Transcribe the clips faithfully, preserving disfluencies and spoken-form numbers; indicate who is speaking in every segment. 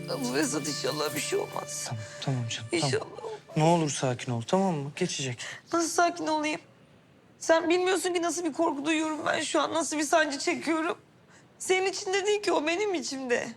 Speaker 1: Esat inşallah bir şey olmaz.
Speaker 2: Tamam, tamam canım.
Speaker 1: İnşallah.
Speaker 2: Tamam. Ne olur sakin ol, tamam mı? Geçecek.
Speaker 1: Nasıl sakin olayım? Sen bilmiyorsun ki nasıl bir korku duyuyorum ben şu an. Nasıl bir sancı çekiyorum. Senin içinde değil ki o benim içimde.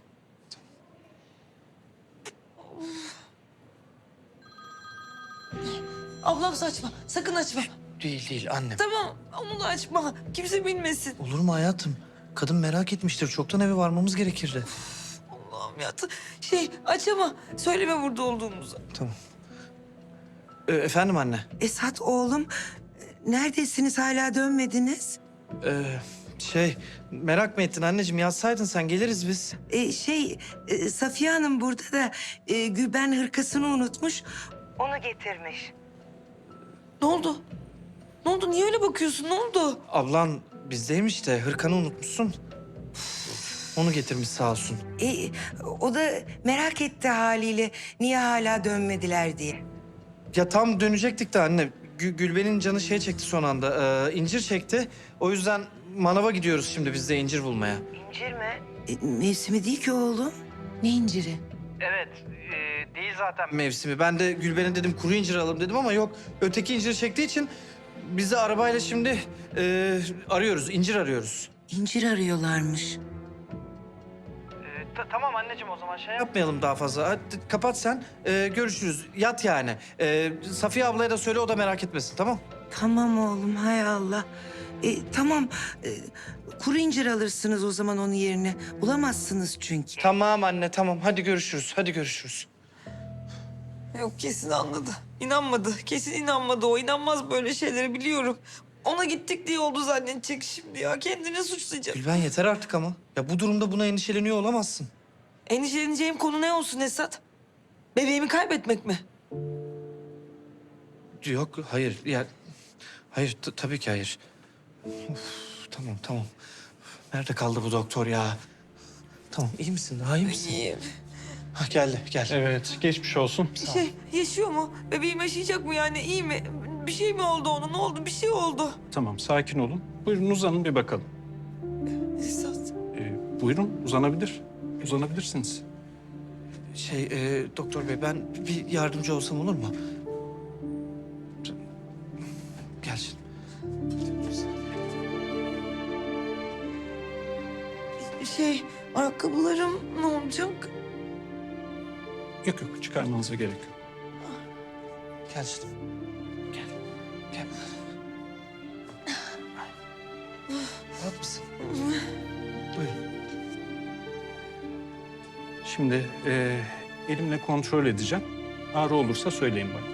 Speaker 1: Ablam saçma. Sakın açma.
Speaker 2: Değil değil annem.
Speaker 1: Tamam onu da açma. Kimse bilmesin.
Speaker 2: Olur mu hayatım? Kadın merak etmiştir. Çoktan eve varmamız gerekirdi.
Speaker 1: Allah'ım ya. T- Şey aç ama söyleme burada olduğumuzu.
Speaker 2: Tamam. Ee, efendim anne?
Speaker 3: Esat oğlum, neredesiniz, hala dönmediniz?
Speaker 2: Ee, şey, merak mı ettin anneciğim? Yazsaydın sen, geliriz biz.
Speaker 3: Ee, şey, e, Safiye Hanım burada da e, Gülben hırkasını unutmuş. Onu getirmiş.
Speaker 1: Ne oldu? Ne oldu? Niye öyle bakıyorsun? Ne oldu?
Speaker 2: Ablan bizdeymiş de hırkanı unutmuşsun. Onu getirmiş sağ olsun.
Speaker 3: Ee, o da merak etti haliyle niye hala dönmediler diye.
Speaker 2: Ya tam dönecektik de anne. Gü- Gülben'in canı şey çekti son anda. Ee, incir çekti. O yüzden manava gidiyoruz şimdi biz de incir bulmaya.
Speaker 3: İncir mi? E, mevsimi değil ki oğlum.
Speaker 1: Ne inciri?
Speaker 2: Evet, e, değil zaten mevsimi. Ben de Gülben'e dedim kuru incir alalım dedim ama yok. Öteki incir çektiği için biz de arabayla şimdi e, arıyoruz, incir arıyoruz.
Speaker 3: İncir arıyorlarmış.
Speaker 2: tamam anneciğim o zaman şey yapmayalım daha fazla. Hadi kapat sen, e, görüşürüz. Yat yani. E, Safiye ablaya da söyle o da merak etmesin tamam?
Speaker 3: Tamam oğlum, hay Allah. E, tamam, e, kuru incir alırsınız o zaman onun yerine. Bulamazsınız çünkü.
Speaker 2: Tamam anne tamam hadi görüşürüz, hadi görüşürüz.
Speaker 1: Yok kesin anladı. İnanmadı. Kesin inanmadı o. İnanmaz böyle şeyleri biliyorum. Ona gittik diye oldu zannedecek şimdi ya. Kendini suçlayacak.
Speaker 2: Gülben yeter artık ama. Ya bu durumda buna endişeleniyor olamazsın.
Speaker 1: Endişeleneceğim konu ne olsun Esat? Bebeğimi kaybetmek mi?
Speaker 2: Yok hayır ya hayır t- tabii ki hayır. Of, tamam tamam. Nerede kaldı bu doktor ya? Tamam iyi misin? Daha iyi misin?
Speaker 1: İyiyim.
Speaker 2: Ha, geldi gel.
Speaker 4: Evet, geçmiş olsun.
Speaker 1: Şey yaşıyor mu? Bebeğim yaşayacak mı yani? İyi mi? Bir şey mi oldu ona? Ne oldu? Bir şey oldu.
Speaker 4: Tamam, sakin olun. Buyurun uzanın bir bakalım.
Speaker 1: Esat.
Speaker 4: Ee, buyurun, uzanabilir. Uzanabilirsiniz.
Speaker 2: Şey e, doktor bey ben bir yardımcı olsam olur mu? Gel şimdi.
Speaker 1: Şey ayakkabılarım ne olacak?
Speaker 4: Yok yok, çıkarmanıza gerek yok.
Speaker 2: Gel şimdi. Gel. Gel. Rahat mısın? Buyurun.
Speaker 4: Şimdi e, elimle kontrol edeceğim. Ağrı olursa söyleyin bana.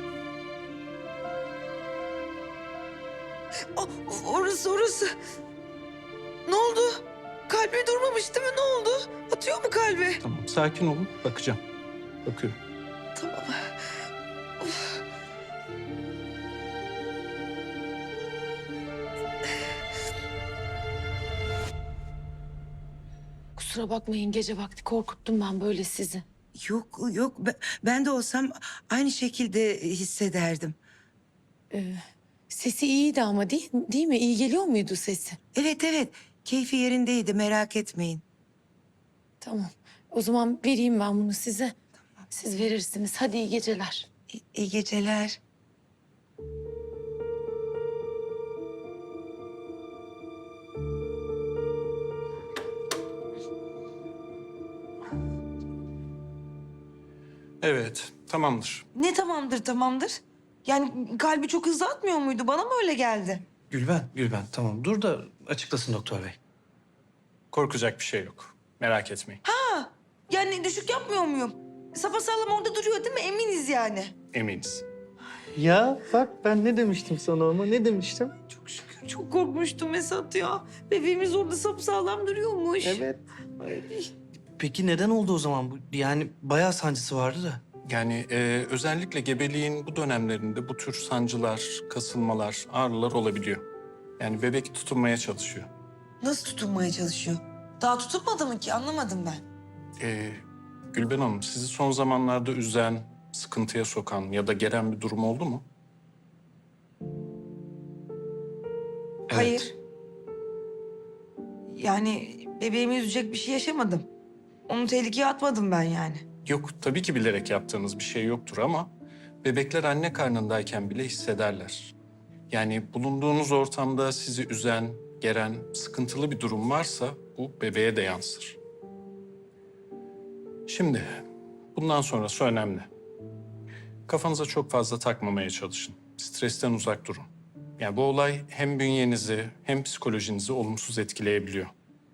Speaker 1: O, orası orası. Ne oldu? Kalbi durmamış değil mi? Ne oldu? Atıyor mu kalbi?
Speaker 4: Tamam, sakin olun. Bakacağım. Bakıyorum.
Speaker 1: Tamam. Of.
Speaker 5: Kusura bakmayın gece vakti korkuttum ben böyle sizi.
Speaker 3: Yok yok, ben, ben de olsam aynı şekilde hissederdim.
Speaker 5: Sesi iyiydi ama değil, değil mi? İyi geliyor muydu sesi?
Speaker 3: Evet evet, keyfi yerindeydi, merak etmeyin.
Speaker 5: Tamam. O zaman vereyim ben bunu size. Siz verirsiniz. Hadi iyi geceler.
Speaker 3: İyi, iyi geceler.
Speaker 4: Evet, tamamdır.
Speaker 1: Ne tamamdır tamamdır? Yani kalbi çok hızlı atmıyor muydu? Bana mı öyle geldi?
Speaker 2: Gülben, Gülben tamam dur da açıklasın doktor bey.
Speaker 4: Korkacak bir şey yok. Merak etmeyin.
Speaker 1: Yani düşük yapmıyor muyum? Sapasağlam orada duruyor değil mi? Eminiz yani.
Speaker 4: Eminiz.
Speaker 2: Ya bak ben ne demiştim sana ama ne demiştim?
Speaker 1: Çok şükür. Çok korkmuştum Esat ya. Bebeğimiz orada sapsağlam duruyormuş.
Speaker 2: Evet. Peki neden oldu o zaman bu? Yani bayağı sancısı vardı da.
Speaker 4: Yani e, özellikle gebeliğin bu dönemlerinde bu tür sancılar, kasılmalar, ağrılar olabiliyor. Yani bebek tutunmaya çalışıyor.
Speaker 1: Nasıl tutunmaya çalışıyor? Daha tutulmadı mı ki? Anlamadım ben.
Speaker 4: Ee, Gülben Hanım, sizi son zamanlarda üzen, sıkıntıya sokan ya da gelen bir durum oldu mu?
Speaker 1: Hayır. Yani bebeğimi üzecek bir şey yaşamadım. Onu tehlikeye atmadım ben yani.
Speaker 4: Yok, tabii ki bilerek yaptığınız bir şey yoktur ama bebekler anne karnındayken bile hissederler. Yani bulunduğunuz ortamda sizi üzen, geren, sıkıntılı bir durum varsa bu bebeğe de yansır. Şimdi bundan sonrası önemli. Kafanıza çok fazla takmamaya çalışın. Stresten uzak durun. Yani bu olay hem bünyenizi hem psikolojinizi olumsuz etkileyebiliyor.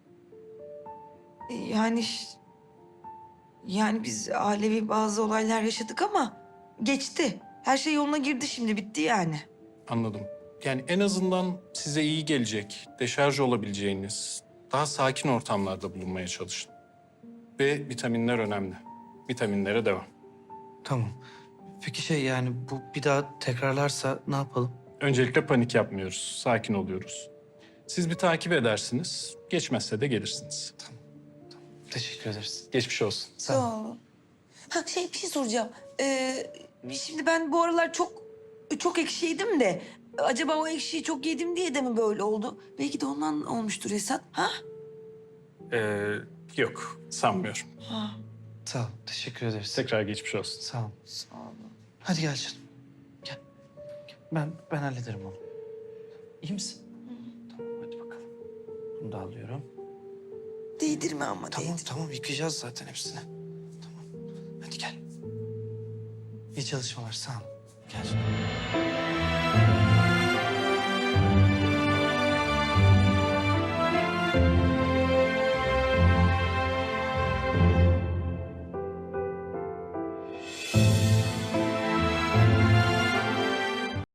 Speaker 1: Yani yani biz ailevi bazı olaylar yaşadık ama geçti. Her şey yoluna girdi şimdi, bitti yani.
Speaker 4: Anladım. Yani en azından size iyi gelecek, deşarj olabileceğiniz, daha sakin ortamlarda bulunmaya çalışın. Ve vitaminler önemli. Vitaminlere devam.
Speaker 2: Tamam. Peki şey yani bu bir daha tekrarlarsa ne yapalım?
Speaker 4: Öncelikle panik yapmıyoruz, sakin oluyoruz. Siz bir takip edersiniz, geçmezse de gelirsiniz.
Speaker 2: Teşekkür ederiz.
Speaker 4: Geçmiş olsun.
Speaker 1: Sağ olun. Ha şey, bir şey soracağım. Ee, şimdi ben bu aralar çok çok ekşi yedim de acaba o ekşiyi çok yedim diye de mi böyle oldu? Belki de ondan olmuştur Esat. Ha?
Speaker 4: Ee, yok, sanmıyorum.
Speaker 1: Ha.
Speaker 2: Sağ ol. Teşekkür ederiz.
Speaker 4: Tekrar geçmiş olsun.
Speaker 2: Sağ ol.
Speaker 1: Sağ olun.
Speaker 2: Hadi gel canım. Gel. Gel. Ben ben hallederim onu. İyi misin? Tamam hadi bakalım. Bunu da alıyorum.
Speaker 1: Değdirme ama,
Speaker 2: Tamam
Speaker 1: değdir.
Speaker 2: tamam yıkayacağız zaten hepsini. Tamam. Hadi gel. İyi çalışmalar sağ ol. Gel.